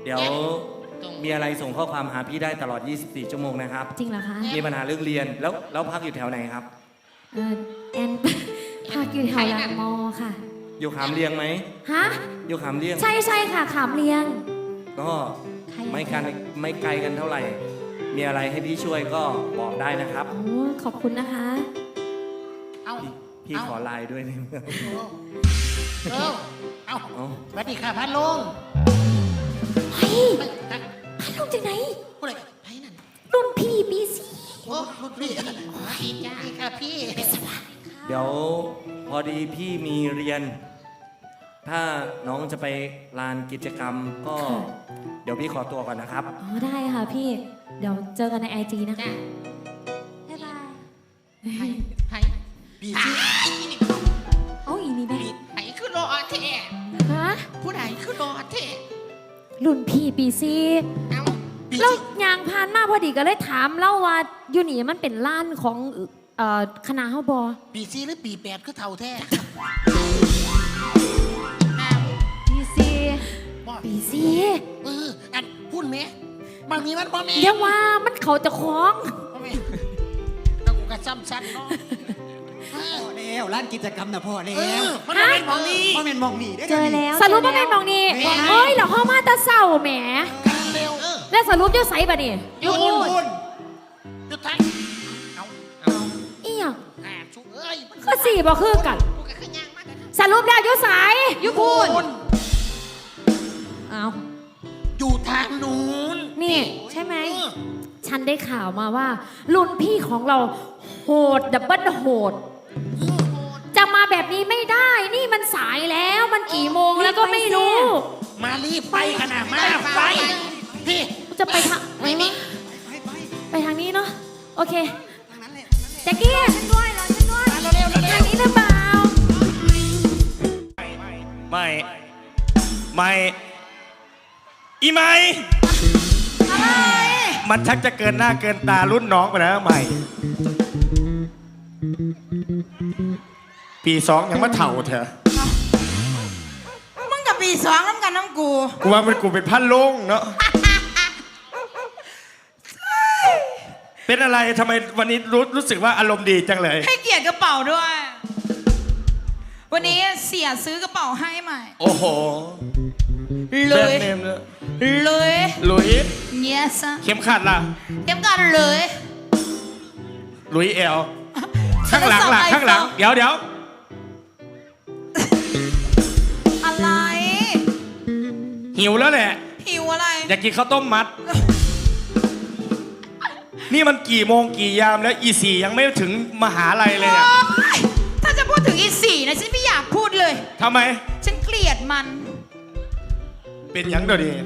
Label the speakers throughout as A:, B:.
A: เดี๋ยวมีอะไรส่งข้อความหาพี่ได้ตลอด 24 ชั่วโมงนะครับ
B: จริงเหรอคะ
A: มีปัญหาเรื่องเรียนแล้วพักอยู่แถวไหนครับ
B: แอน พักอยู่แถวหลังมอค่ะ
A: อยู่ขามเรียงไหม
B: ฮะ
A: อยู่ขามเรียง
B: ใช่ค่ะขามเรียง
A: ก็ไม่ไกลกันเท่าไหร่ มีอะไรให้พี่ช่วยก็บอกได้นะครับ
B: โอ้ขอบคุณนะคะ
A: พี่ขอไลน์ด้วยนี่
C: เอาสวัสดีค่ะพันลุง
B: เฮ้ยพัดลงจากไหน
C: ผู้ใดไผ่นั่น
B: รุ่นพี่ปีซี
C: โอ้รุ่นพี่ดีจ้าค่ะพี่
A: เดี๋ยวพอดีพี่มีเรียน ถ้าน้องจะไปลานกิจกรรมก็ เดี๋ยวพี่ขอตัวก่อนนะครับ
B: อ๋อได้ค่ะพี่ เดี๋ยวเจอกันในไอจีนะคะ บ๊ายบาย
C: ไผ่ปีซี
B: เอาอีนี่แม่
C: ไผ่คือรอแท้
B: ฮะ
C: ผู้ใดคือรอแท้
B: รุ่นพี่ปีซี
C: เอาปี
B: แล้ว
C: ซี
B: ยางพานมาพอดีก็เลยถามเล่าว่าอยู่นี่มันเป็นล้านของคณะเฮาบอ
C: ปีซีหรือปี8คือเท่าแท้
B: ปีซี
C: บ่
B: ปีซี
C: อันพูดไหมบางทีมันบ่แม่
B: เดี๋ยวว่ามันเขาจะคล้อง
C: บ่แม่แล้วกูก็ซ้ำซันเนาะ
D: พ่อแล้วร้านกิจกรรมนะพ่อแล้ว
C: มันบ่เป็นหมองนี้
D: พ่อเป็นมองนี่ได้
B: เจอแล้วสรุปว่าเป็นมองนี่
C: แม่
B: เฮ้ยเราเข้ามาแตะเศร้าแหม
C: กันเร็ว
B: แล้วสรุปอยุ่ไสบ่นี่
C: อยู่อยู่ทางเอา
B: อีหยัง
C: ชุกเอ้ย
B: ก็สี่บ่คือกัน
C: กูก็ขึ้นยางมากเลย
B: สรุปแล้วอยุ่ไสอยู่พูนเอา
C: อยู่ทางนู้น
B: นี่ใช่ไหม ฉันได้ข่าวมาว่า รุ่นพี่ของเราโหดดับเบิลโหด จะมาแบบนี้ไม่ได้ นี่มันสายแล้วมันกี่โมงแล้วก็ไม่รู้
C: มารีบไปขนาดมาไปพี่
B: จะไปทาง
C: ไม่มี
B: ไปทางนี้เนาะโอเคแจ็คกี้ฉันด้วยรอฉันด้วย
C: มาเร็วเร็ว
B: ทางนี้หรือเปล่า
E: ไม่อีไม่
B: อะไร
E: มันชักจะเกินหน้าเกินตารุ่นน้องไปแล้วใหม่ ปี2ยังมาเถ่าเถอะ
F: มึงกับปีสองน้ำกันน้ำกู
E: กูว่ามันกูเป็นพันลงเนาะ เป็นอะไรทำไมวันนี้รู้สึกว่าอารมณ์ดีจังเลย
F: ให้เกียรติกระเป๋าด้วย วันนี้เสียซื้อกระเป๋าให้ใหม่
E: โอ้โห
F: เล
E: แบรน
F: ย
E: ด์เนมเลย
F: เลย
E: หลุย
F: เงี้ยซะ
E: เข็มขัดล่ะ
F: เต็มกันเลย
E: หลุยแอลข้างหลังล่ะข้างหลัง เดี๋ยว
F: อะไร
E: หิวแล้วแหละ
F: หิวอะไร
E: อยากกินข้าวต้มมัด นี่มันกี่โมงกี่ยามแล้วอีสี่ยังไม่ถึงมหาลัยเลยเนี่ย
F: โอ๊ยถ้าจะพูดถึงอีสี่นะฉันไม่อยากพูดเลย
E: ทำไม
F: ฉันเกลียดมัน
E: เป็นหยังเดี๋ยวนี้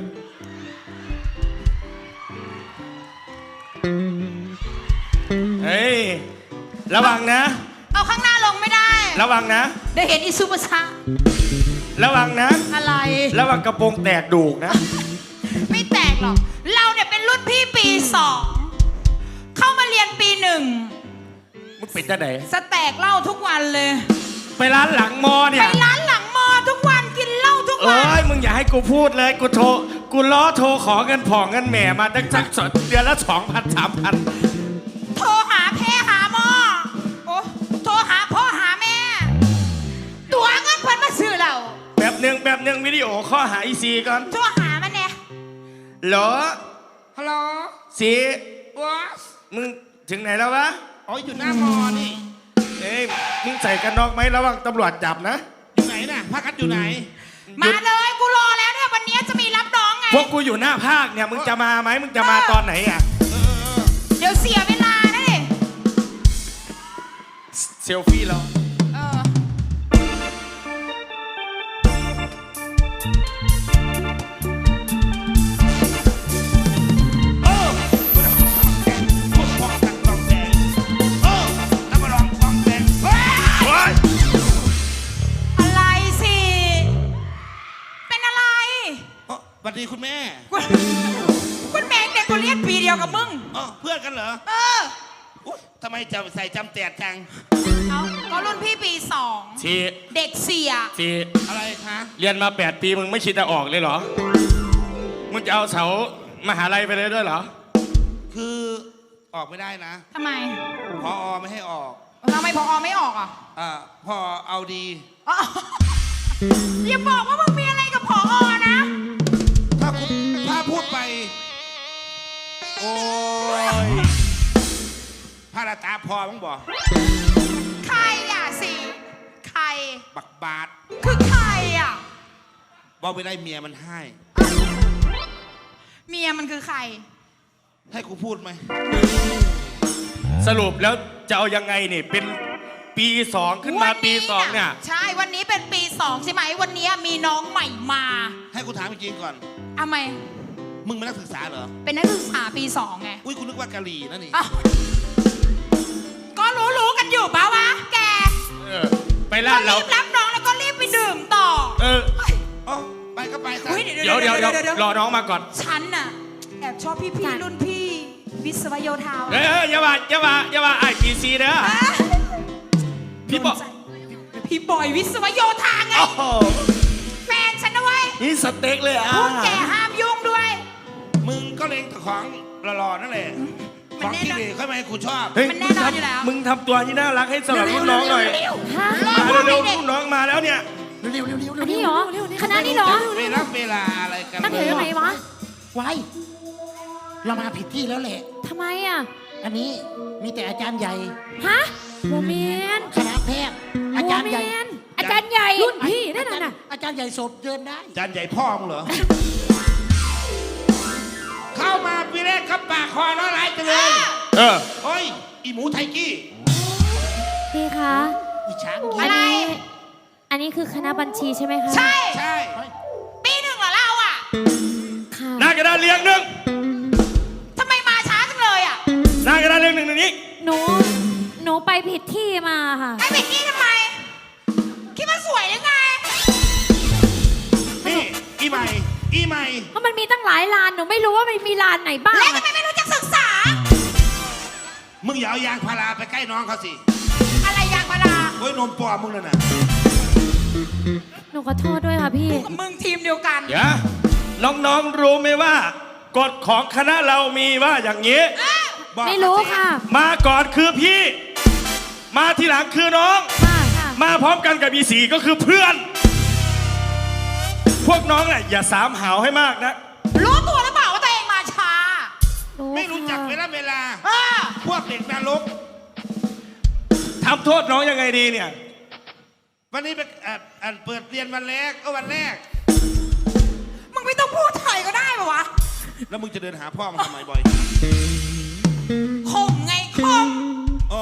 E: เฮ้ย ระวังนะ
F: เอาข้างหน้าลงไม่ได้
E: ระวังนะ
F: ได้เห็นอีซูเปอร์ชา
E: ระวังนะ
F: อะไร
E: ระวังกระโปรงแตกดูกนะ
F: ไม่แตกหรอก เราเนี่ยเป็นรุ่นพี่ปีสองเข้ามาเรียนปีหนึ่ง
E: มึงเป็นจะไหน
F: สแตกเหล้าทุกวันเลย
E: ไปร้านหลังมอเนี่
F: ไป
E: ย
F: ร้านหลังมอทุกวันกินเหล้าทุก
E: เอ้
F: วัน
E: ย มึงอย่าให้กูพูดเลย กูล้อโทรขอเงินผ่องเงินแหม่มาตั้งสักเดือนละ 2,000 3,000
F: โทรหาแพ่หาหมอโอ้โทรหาพ่อหาแม่ ตัวเงินเพิ่นมาซื้อเรา
E: แบบหนึ่งวิดีโอข้อหาอีซีก่อน
F: โทรหามันเนี่ย
E: เหรอ
F: ฮัลโหล
E: ซี
F: วอส
E: มึงถึงไหนแล้ววะ
C: อ๋ออยู่หน้ามอนี่
E: เอ้ย มึงใส่กันนอกไหมระวังตำรวจจับนะ
C: อยู่ไหนน่ะพักกันอยู่ไหน
F: มาเลยกูรอแล้วเนี่ยวันนี้จะมีรับน้องไง
E: พวกกูอยู่หน้าภาคเนี่ย มึงจะมาไหมมึงจะมาตอนไหนอ่ะ
F: เดี๋ยวเสียเวลานะดิ
E: เซลฟี่เรา
F: เออ อะไรสิ เป็นอะไร
C: สวัสดีคุณแม่
F: คุณแม่เด็กกูเรียนปีเดียวกับมึง
C: เพื่อนกันเหรอ
F: เออ
C: ทำไมจะใส่จำแตกจัง
F: เอาก็รุ่นพี่ปีสอง
E: ซี
F: เด็กเสีย
E: ซี
C: อะไรคะ
E: เรียนมา8 ปีมึงไม่คิดจะออกเลยเหรอ มึงจะเอาเสามหาลัยไปเลยด้วยเหรอ
C: คือออกไม่ได้นะ
F: ทำไม
C: พอไม่ให้ออก
F: ทำไมพอไม่ออกอ่ะ
C: พอเอาดี
F: อ๋ออย่าบอกว่ามึงมีอะไรกับพอนะ
C: ถ้าพูดไป โอ้ยพาราตาพอมั้งบอก
F: ใครอ่ะสิใคร
C: บักบาท
F: คือใครอ่ะ
C: บอกไปได้เมียมันให้
F: เมียมันคือใคร
C: ให้กูพูดไหม
E: สรุปแล้วจะเอายังไงนี่เป็นปี2ขึ้นมาปี2เนี่ย
F: ใช่วันนี้เป็นปี 2 ใช่ไหมวันนี้มีน้องใหม่มา
C: ให้กูถามจริงๆก่อน
F: ทำไม
C: มึงเป็นนักศึกษาเหรอ
F: เป็นนักศึกษาปี 2 ไง
C: อุ้ยกูนึกว่ากะหรี่นั่นนี่
F: อ้าวก็รู้กันอยู่ปะวะแก
E: เออไปร้านเรา
F: รีบรับน้องแล้วก็รีบไปดื่มต่อ
E: เออ
C: อ๋อไปก็ไปซะ
F: อุ๊ย
E: เดี๋ยวรอน้องมาก่อน
F: ฉันน่ะแอบชอบพี่รุ่นพี่ วิศวโยธา
E: เฮ้ยอย่าว่าไอ้ปีซีเด้อ พี่บอก
F: พี่บอยวิศวโยธาไง
E: โอ้โห
F: แฟนฉันนะเว้ย
E: นี่สเต็กเลยอ่ะ
F: พูดแกห้ามยุ่งด้วย
C: มึงก็เล็งแต่ของหล่อๆนั่นแหละของที่เหลค่อยมาให้กูชอบ
E: เฮ้ย
F: มันแน่นอนอยู่แล้ว
E: มึงทำตัวที่น่ารักให้สำหรับรุ่นน้องหน่อย
B: ฮะ
E: มาเร็วๆรุ่นน้องมาแล้วเนี่ย
B: อันนี้เหรอคณะนี้เหรอ
C: เวลาอะไรกัน
B: นักเรียนไหนวะ
D: ไว้เรามาผิดที่แล้วแหละ
B: ทำไมอ่ะ
D: อันนี้มีแต่อาจารย์ใหญ่
B: ฮะโมเมน
D: คณะแพทย์อาจารย์ใหญ่
B: อาจารย์ใหญ่รุ่นพี่นั่นน่ะ
D: อาจารย์ใหญ่โสดเดินได้
C: จานใหญ่พ่อมึงเหรอ เข้ามาปีแรกครับปากคอแล้วไรไปเลย
E: เออ
C: โอ้ย อีหมูไทกี้
B: พี่คะ
D: อีช้าง
F: อะไร
B: อันนี้คือคณะบัญชีใช่ไหมคะ
F: ใช่
C: ใช่
F: ปี 1เหรอเราอ่ะ
B: ค่ะ
E: หน้ากระดานเรียงหนึ่ง
F: ทำไมมาช้าจังเลยอ่ะ
E: หน้ากระดานเรียงหนึ่งนี้
B: หนูไปผิดที่มาค่ะ
F: ไอ้เบกกี้ทำไม คิดว่าสวยหรือไง
C: นี่ อีใหม่
B: เพราะมันมีตั้งหลายลานหนูไม่รู้ว่ามันมีลานไหนบ้าง
F: แล้วทำ
B: อะ
F: ไมไม่รู้จักศึกษา
C: มึงอย่าเอายางพาราไปใกล้น้องเขาสิ
F: อะไรยางพารา
C: โอ้ยนมปลอมมึงนั่นน่ะ
B: หนูขอโทษด้วยค่ะพี่
F: กับมึงทีมเดียวกัน
E: เดี๋ยวน้องๆรู้ไหมว่ากฎของคณะเรามีว่าอย่างนี้
C: บอก
B: ไม่รู้ค่ะ
E: มาก่อนคือพี่ มาทีหลังคือน้อง
B: ค่ะค่ะ
E: มาพร้อมกันกับอีสีก็คือเพื่อน พวกน้องน่ะอย่าสามหาวให้มากนะ
F: รู้ตัวหรือเปล่าว่าตัวเองมาช้า
C: ไม่รู้จักเวลา
F: เออ
C: พวกเด็กนรก
E: ทำโทษน้องยังไงดีเนี่ย
C: วันนี้เป็นเปิดเรียนวันแรกวันแรก
F: มึงไม่ต้องพูดไทยก็ได้ปะวะ
C: แล้วมึงจะเดินหาพ่อมันทำไมบ่อย
F: ข่มไงข่ม
C: อ๋อ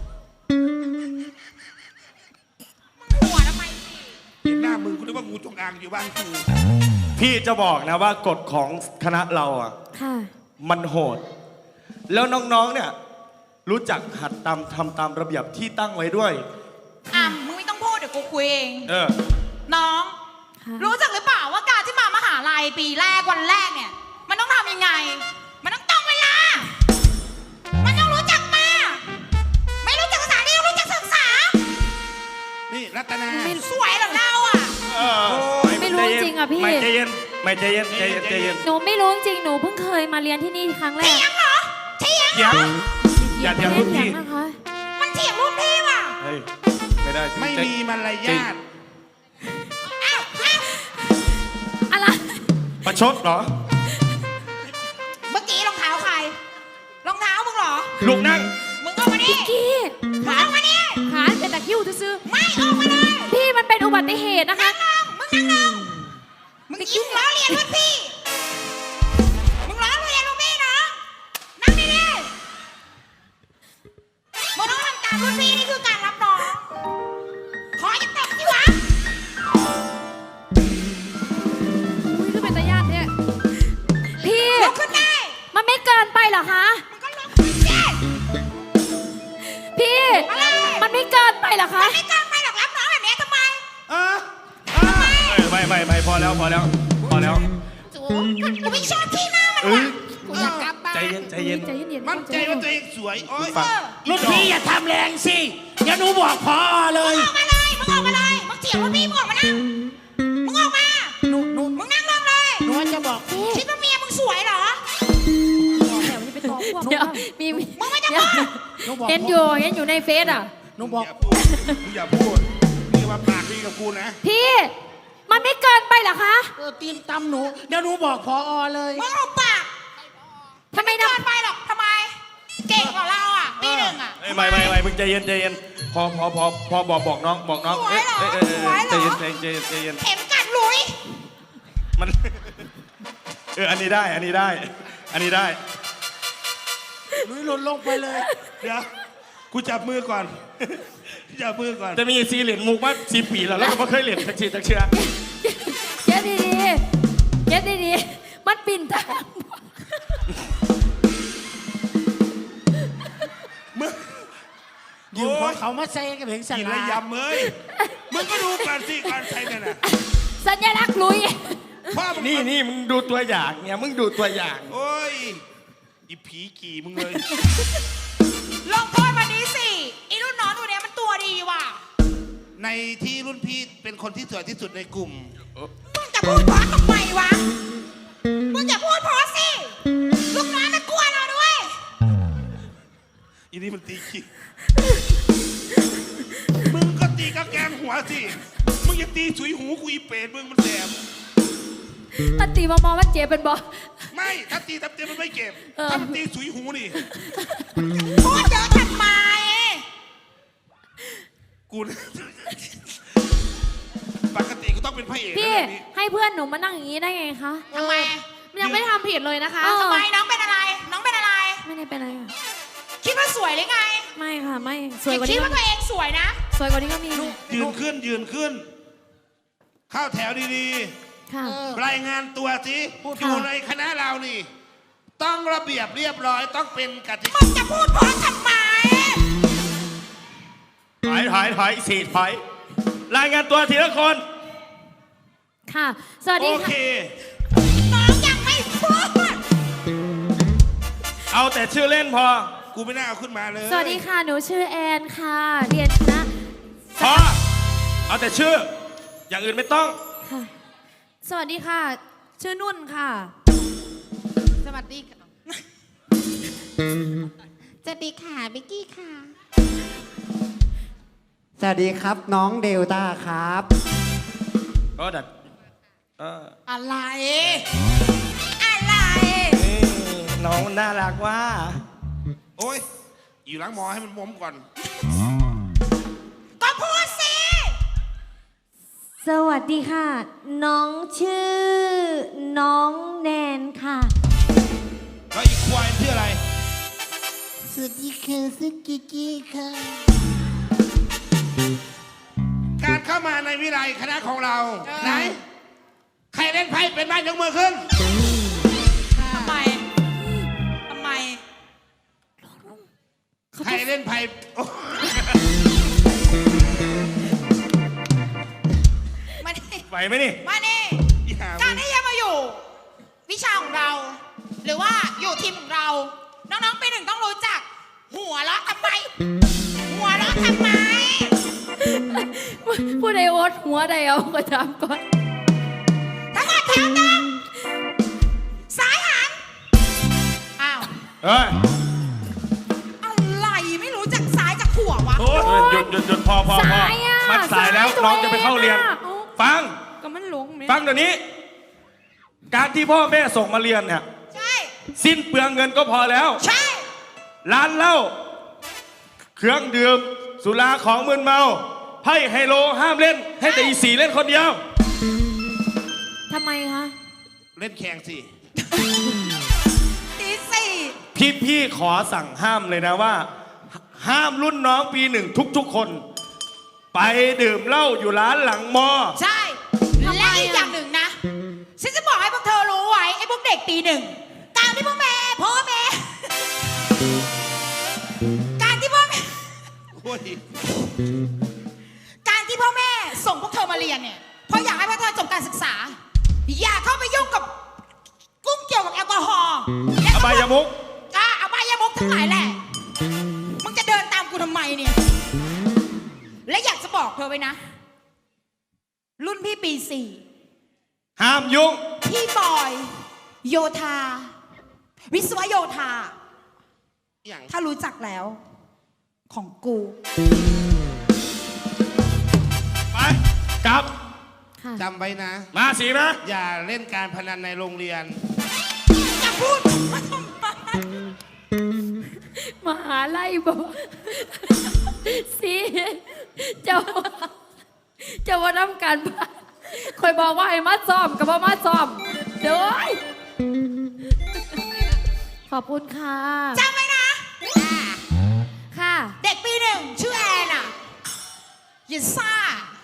F: หัวทำไมสิ
C: เห็นหน้ามึงกูนึกว่างูจงอางอยู่บ้านกู
E: พี่จะบอกนะว่ากฎของคณะเราอ่ะ
B: ค่ะ
E: มันโหด แล้วน้องๆเนี่ยรู้จักหัดทำตามระเบียบที่ตั้งไว้ด้วย
F: อ่ะมึงไม่ต้องพูดเดี๋ยวกูคุยเอง
E: เออ
F: น้อง
B: ค่ะ
F: รู้จักหรือเปล่าว่าการที่มามหาลัยปีแรกวันแรกเนี่ย มันต้องทำยังไง มันต้องตรงเวลา มันต้องรู้จักมา ไม่รู้จักภาษานี่ต้องรู้จักศึกษา
C: นี่รัตนา
F: สวยเหรอเราอ่ะ
B: ไม่รู้จริงอ่ะพี่
E: ไม่ใจเย็นไม่ใจเย็นใจเย็นใจเย็น
B: หนูไม่รู้จริงหนูเพิ่งเคยมาเรียนที่นี่ครั้งแรก
F: เถียงเหรอเถียง
E: เดี๋ยวอย่าเถียงรุ่นพี่
B: เถียงนะคะ
F: มันเถียงรุ่นพี่ว่ะ
E: เฮ้ยไม่ได้
C: ไม่มีมารยาท
F: อ้าวอ้าว
B: อะไร
E: ประชดเหรอ
F: เมื่อกี้รองเท้าใคร รองเท้ามึงเหรอ
E: ลูกนั่ง
F: มึงเอามาดิ
B: พี่
F: มึงเอามาดิ
B: ขาเป็นตะคริวซื้อ
F: ไม่ออกมาเลย
B: ๆพี่มันเป็นอุบัติเหตุนะคะ
F: มึงนั่งลงมึงยุ่งล้อเลียนรุ่นพี่ มึงล้อเลียนรุ่นพี่นะนั่งดีๆมึงต้องทำตามรุ่นพี่นี่คือการรับน้อง ขอจะตบสิวะ
B: อุ้ยก็เป็นตาญาติเนี่ยพี่
F: ลุกขึ้นได้
B: มันไม่เกินไปเหรอคะ
F: มึงก็ลุกขึ้นสิ
B: พี่
F: อะไร
B: มันไม่เกินไปเหรอคะ
F: ไม่กล้าไปหรอกรับน้องแบบนี้ทำไม
E: ไม่พอแล้วพอแล้วพอแล้ว
F: จูกูไม่ชอบที่หน้ามัน
E: เอ
F: ว่ะ
E: อ
F: กูอยากกลับบ้าน
E: ใจเย็นใจเย็น
B: ใจเย็นๆ
C: มั่นใจว่าตัวเองสวย โอ๊ย
E: ฟัง
D: รุ่นพี่อย่าทำแรงสิ เดี๋ยวหนูบอกพอเลย
F: ออกมาเลย มึงออกมาเลย มึงเถียงรุ่นพี่มึงออกมานั่ง มึงออกมา
D: หนู
F: มึงนั่งลงเลย
D: หนูจะบอก
F: คิดว่าเมียสวยเหรอ
B: แถวนี้ไปตอพวกมี
F: มึงไม่จะ
B: เดี๋ยว
F: พูด
D: หนูบอก
B: เห็นอยู่ในเฟซอ่ะ
D: หนูบอก
C: อย่าพูดนี่มาปากดีกับกูนะ
B: พี่มันไม่เกินไปเหรอคะ
D: ตีนตำหนู เดี๋ยวหนูบอกพอเลย
F: มึงเอาปาก
B: ทำไม
F: ไม่
B: นะ
F: เกินไปหรอกทำไม เก่งกว่าเราอ่ะปีหนึ่งอ่ะ
E: ไม่มึงใจเย็นใจเย็นพอบอกน้อง
F: สวยเหรอ สวยเหร
E: ใจ
F: อ
E: เย็นใจเย็น
F: เข็มกัดหลุย
E: มัน อันนี้ได้อันนี้ได้
D: ลุยหล่นลงไปเลย
C: เดี๋ยวกูจับมือก่อน จับมือก่อน
E: จะมีซีเหรียญมุกมา10 ปีแล้วก็ไม่เคยเหรียญสักทีสักเชื่อ
B: เย็ดดีๆมันปิ่นทาง
C: มึง
D: ยืมของเขามาใส่กับเพลงส
C: กิน
D: ลา
C: ระยำเอ้ยมึงก็ดูก่อนสิการใช้เนี่ยนะ
B: สัญลักษณ์ลุย
C: พ่อมึง
E: นี่มึงดูตัวอย่างเนี่ยมึงดูตัวอย่าง
C: โอ้ยอีผีกี่มึงเลย
F: ลงโทษวันนี้สิอีรุ่นน้องตัวเนี้ยมันตัวดีว่ะ
C: ในที่รุ่นพี่เป็นคนที่สวยที่สุดในกลุ่ม
F: มึงจะพูดเพราะทำไมวะ มึงจะพูดเพราะสิลูกน้องมันกลัวเราด้วย
C: อีนี่มันตีขี้มึงก็ตีกระแกงหัวสิมึงอย่าตีสุยหูกูอีเป็ดมึงมันแสบ
B: มันตีมามองมันเจ็บเป็นบอ
C: ไม่ถ้าตีตับเต็มมันไม่เก็บ ถ้ามันตีสุยหูนี่
F: พูดเยอะทำไม
C: กูปกติกูต้องเป็นพระเอก
B: พี่
C: นะแบบนี้
B: ให้เพื่อนหนูมานั่งอย่างนี้ได้ไงคะ
F: ทำไม
B: มันยังไม่ได้ทำผิดเลยนะคะ
F: ทำไมน้องเป็นอะไร น้องเป็นอะไร
B: ไม่ได้เป็นอะไรค่ะ
F: คิดว่าสวยหรือไง
B: ไม่ค่ะไม่สวยกว่า
F: คิ
B: นี้
F: ดว่าตัวเองสวยนะ
B: สวยกว่านี้ก็มี
C: ยืนขึ้น เข้าแถวดี
B: ค่ะ
C: ๆรายงานตัวสิอยู่ในคณะเรานี่ ต้องระเบียบเรียบร้อยต้องเป็นกติ
F: มึ
C: กาง
F: จะพูดเพราะทำไม
E: ถอยรายงานตัวทีละคน
B: ค่ะ สวัส
C: โอ
B: ดี
C: เค
B: ค่ะ
F: น้องยังไม่พูด
E: เอาแต่ชื่อเล่นพอ
C: กูไม่น่าเอาขึ้นมาเลย
B: สวัสดีค่ะ หนูชื่อแอนค่ะ เรียนคณะ
E: พอเอาแต่ชื่อ อย่างอื่นไม่ต้อง
B: ค่ะ สวัสดีค่ะ ชื่อนุ่นค่ะ
F: สวัสดีค่ะสวัสดีค่ะบิกกี้ค่ะ
G: สวัสดีครับน้องเดลต้าครับ
E: ก็ดัด
F: อะไร อะไร
E: น้องน่ารักว่า
C: โอ้ยอยู่หล้างหมอให้มันม้มก่อน
F: ก็พูดสิ
H: สวัสดีค่ะ น้องชื่อ น้องแนนค่ะ
C: แล้วอีกควายชื่ออะไร
H: สวัสดีค่ะซึกิกิค่ะ
C: การเข้ามาในวิไลคณะของเรา ไหน ใครเล่นไพ่เป็นบ้านยกมือขึ้น
F: ทำไม ทำไม
C: ใครเล่นไพ่โอ้
F: มานี่
E: ไหวไหมนี่
F: มานี่
C: ยหา
F: การ
C: มึง
F: ที่จะมาอยู่ วิชาของเรา หรือว่าอยู่ทีมของเรา น้องๆปีหนึ่งต้องรู้จัก หัวเราะทำไม หัวเราะทำไม
B: ผู้ใดโอ๊ตหัวใดเอาก็ถามก่อน
F: ทั้งหมดแถวตั้งซ้ายหัน อ้าว
E: เฮ้ย
F: อะไรไม่รู้จักซ้ายจากหัววะ
E: โอ้ยหยุดพอ
B: สายอะ
E: มันสายแล้ว
B: สายตัว
E: น้องจะไปเข้าเรียน
B: เองอะ
E: ฟัง
B: ก็มันหลงไหม
E: ฟังเดี๋ยวนี้ การที่พ่อแม่ส่งมาเรียนเนี่ย
F: ใช่
E: สิ้นเปลืองเงินก็พอแล้ว
F: ใช่
E: ร้านเหล้าเครื่องดื่มสุราของมึนเมาไพ่ไฮโลห้ามเล่น ให้แต่อีสีเล่นคนเดียว
B: ทำไมคะ
C: เล่นแข่งสิ
F: ตีสี่
E: พี่ขอสั่งห้ามเลยนะว่า ห้ามรุ่นน้องปีหนึ่งทุกๆคน ไปดื่มเหล้าอยู่ร้านหลังมอ
F: ใช่
B: ทำไม
F: และอีก
B: อะ
F: อย่างหนึ่งนะ ฉันจะบอกให้พวกเธอรู้ไว้ ไอ้พวกเด็กปีหนึ่ง การที่พ่อแม่ การที่พ่อแม่
C: โอ้ย
F: การที่พ่อแม่ส่งพวกเธอมาเรียนเนี่ย เพราะอยากให้พวกเธอจบการศึกษา อย่าเข้าไปยุ่งกับกุ้งเกี่ยวกับแอลกอฮอล์และ
E: อบายมุก
F: อบายมุกทั้งหลายแหละ มึงจะเดินตามกูทำไมเนี่ย และอยากจะบอกเธอไว้นะ รุ่นพี่ปี 4
E: ห้ามยุ่ง
F: พี่บอยโยธา วิศวโยธา
C: อย่าง
F: ถ้ารู้จักแล้ว ของกู
E: ไปกลับ
B: ค่ะ
C: จำไว้นะ
E: มาสีนะ
C: อย่าเล่นการพนันในโรงเรียน
F: อย่าพูดมาทำไม
B: มหาไล่บอก สิเจ้าว่าทำการบ้านคอยบอกว่าให้มาซ้อมกับว่ามาซ้อมเด้อขอบคุณค่ะ
F: จำไว้นะ
B: ค่ะ
F: เด็กปีหนึ่งชื่อแอนอ่ะอย่าซ่า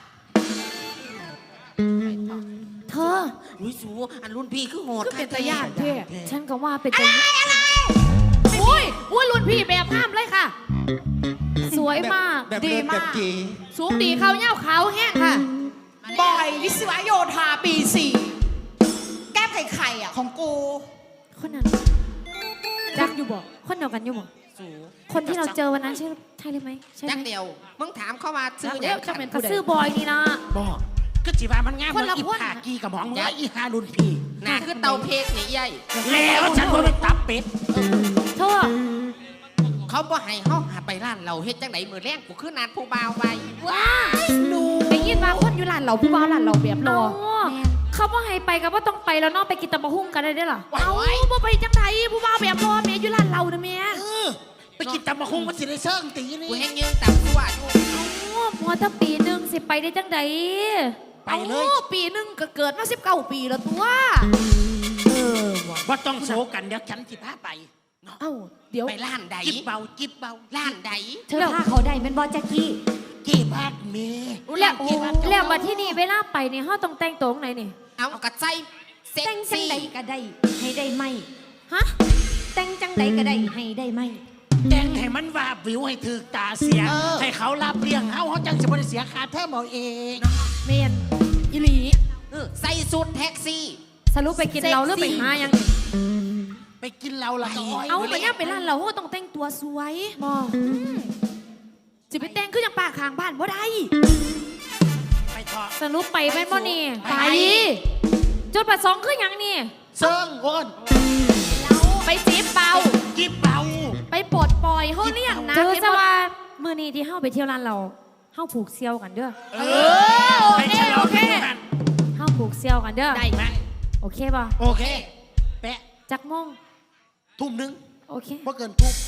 B: เธอ
D: อุ้ยสูอันรุ่นพี่คือโหด
B: ก็เป็นตาญาติเท่
D: แท้
B: ฉันก็ว่าเป็นตาญาติอุ้ยรุ่นพี่แบบห้ามเลยค่ะ สวยมาก
G: แบบ
F: ดี
G: เลิศ
F: มาก
G: แบบจี
B: สูงดีเขาเย้าเขาแห้งค่ะ
F: บอยวิศวโยธาปี 4 แก้มไข่อ่ะของกู
B: คนนั้นรักอยู่บ่คนเดียวกันอยู่บ่
D: สู
B: คนที่เราเจอวันนั้นใช่หรือไม่ใช่ไห
D: จัก
B: ม
D: เดียวมึงถามเข้ามาซื้อ
B: เดี๋ยวจะเป็นเขาซื้อบอยนี่นะ
D: บอกก็จีว่ามันง่าย
B: คนละ
D: อี
B: คน
D: ผากีกับหมองว่าอีฮารุ่นพี่
I: น่ะคือเตาเพกนี่ใหญ่
D: แล้วฉันบ่ได้ตับเป็ด
B: เธอ
I: เขาบ่ให้เฮาหาไปร้านเราเฮ็ดจังไดมือแรงกูคือนัดผู้บ่าวไว้
B: ว้าไปยินมาคนอยู่ร้านเราผู้บ่าวร้านเราแบบรอเขาบ่ให้ไปก็บ่ต้องไปแล้วเนอกไปกินตำบักหุ่งกันได้เด้อล่ะเอาบ่ไปจังไดผู้บ่าวแบบรอแม่อยู่ร้านเรานะแม่
D: ไปกินตำบักหุ่งมันสิได้เชิงตีนี่
I: กูแห้งยืนตับตัวอยู่
B: มัวแต่ปีหนึงสิไปได้จังได
D: ไปเลย
B: อาปีหนึงก็เกิดมา19 ปีแล้วตัว
D: ว่าต้องโศกันเดี๋ยวฉันสิพาไป
B: เอ้าเดี๋ยว
I: ไปร้านใด
D: จิบเบาจิบเบา
I: ร้านใด
H: เธอพาเขาได้เป็นบอจักกี้
D: เก็บบ้านเม
B: แล้วมาที่นี่เวลาไปนี่เฮาต้องแต่งตัวจังไหนนี่
I: เอากระใจเซ็ก
H: แต่งจัง
I: ซี่
H: ใดก็ได้ ให้ได้ไหม
B: ฮะ
H: แต่งจังใดก็ได้ให้ได้ไหม
D: แต่งให้มันวาบวิวให้ถือตาเสีย ให้เขารับเลี้ยงเขาจังสิบ่ได้เสียค่าเทอมเอาเอง
B: เมนอีหลี
I: ใส่สูทแท็กซี่
B: สรุปไปกินเราหรือไปหายังนี่
D: ไปกินเราละก็อ้อย
B: เอาไปย่างไปร้านเราเฮาต้องแต่งตัวสวยบ่สิไปแต่งคือจังป่าข้างบ้านบ่ได้
D: ไปเถอะ
B: สรุปไปแม่นบ่นี่
D: ไป
B: จุดประสงค์คือหยังนี่
D: เซิงโอน
B: ไปจีบเบา
D: จิบเบา
B: ไปปลดปล่อยเฮาเลี้ยงนะเจอซะว่ามื้อนี้ที่เฮาไปเที่ยวร้านเราเฮาผูกเซี่ยวกันเด้อ
D: ไปฉลองที่นั่น
B: เฮาผูกเซี่ยวกันเด้อ
D: ได้ไหม
B: โอเคป่ะ
D: โอเค แปะ
B: จักโมง
D: ทุ่มหนึง
B: โอเค
D: บ่เกินทุ่ม